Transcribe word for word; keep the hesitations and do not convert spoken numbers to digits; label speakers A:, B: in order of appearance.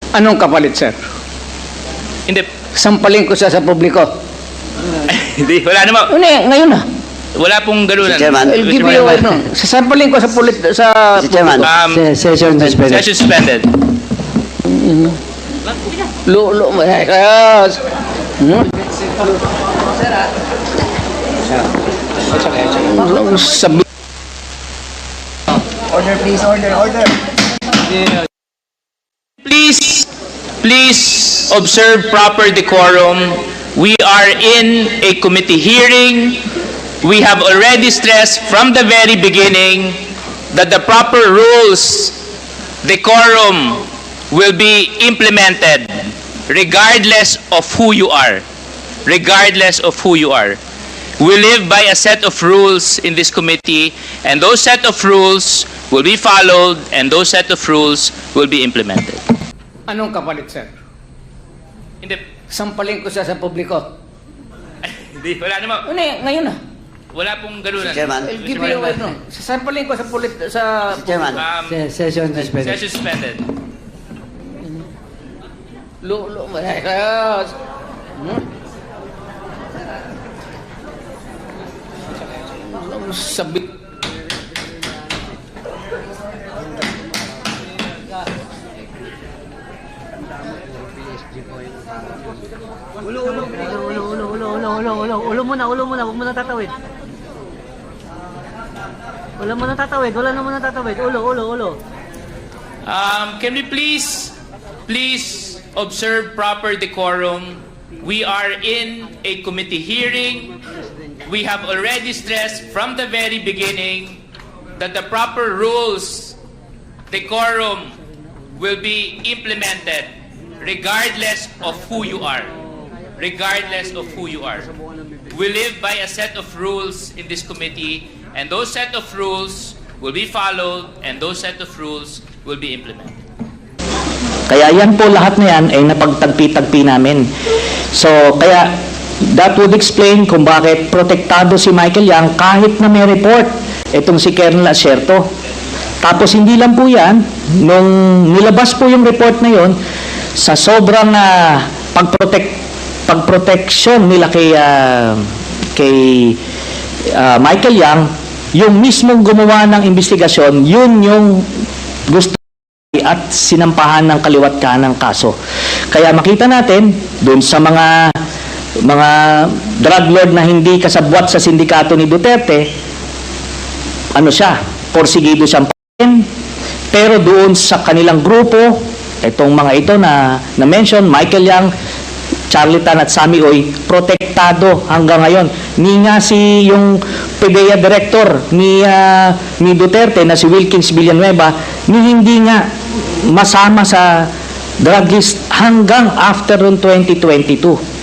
A: Anong kapalit, sir?
B: Hindi.
A: Sampalin ko siya sa publiko.
B: Hindi, wala naman.
A: Ano eh, ngayon na.
B: Wala pong galunan.
C: Mister Chairman.
A: I'll give you, ano, sasampalin ko sa pulit, sa
C: Mister Chairman.
A: publiko.
B: Um,
C: Se- Session suspended.
B: Session suspended.
A: Lo, lo, yes. Hmm? Sabi,
C: Order, please. Order, order.
B: Please, please observe proper decorum. We are in a committee hearing. We have already stressed from the very beginning that the proper rules, decorum, will be implemented regardless of who you are. Regardless of who you are. We live by a set of rules in this committee, and those set of rules will be followed, and those set of rules will be implemented.
A: anong kapalit, sir?
B: Hindi,
A: Sampalin ko siya sa publiko.
B: hindi, wala naman.
A: Ano eh, ngayon na.
B: Wala pong galunan.
C: Mister Chairman.
A: I'll give you, ano, sasampalin ko sa pulit, sa...
C: Mister Chairman.
B: Um,
C: Se- Session suspended.
B: Session suspended.
A: Lo, lo, yes. Hmm? Sabi,
D: Ulo, ulo, ulo, ulo, ulo, ulo, ulo, ulo, ulo muna, ulo muna, huwag mo na tatawid. Wala mo na tatawid, wala na mo na tatawid, ulo, ulo, ulo.
B: Um, can we please, please observe proper decorum? We are in a committee hearing. We have already stressed from the very beginning that the proper rules, decorum, will be implemented regardless of who you are. Regardless of who you are. We live by a set of rules in this committee, and those set of rules will be followed, and those set of rules will be implemented.
E: Kaya yan po lahat na yan ay napagtagpi-tagpi namin. So, kaya that would explain kung bakit protektado si Michael Yang kahit na may report itong si Colonel Acerto. Tapos hindi lang po yan, nung nilabas po yung report na yon, sa sobrang uh, pagprotect pagproteksyon nila kay uh, kay uh, Michael Yang, yung mismong gumawa ng investigasyon, yun yung gusto at sinampahan ng kaliwat kanang kaso. Kaya makita natin doon sa mga mga drug lord na hindi kasabwat sa sindikato ni Duterte, ano siya, porsigido siyang pain, pero doon sa kanilang grupo, itong mga ito na na-mention, Michael Yang, Charlie Tan at Sammy Oy, protektado hanggang ngayon. Ni nga si yung P D E A director ni, uh, ni Duterte na si Wilkins Villanueva, ni hindi nga masama sa drug list hanggang after twenty twenty-two.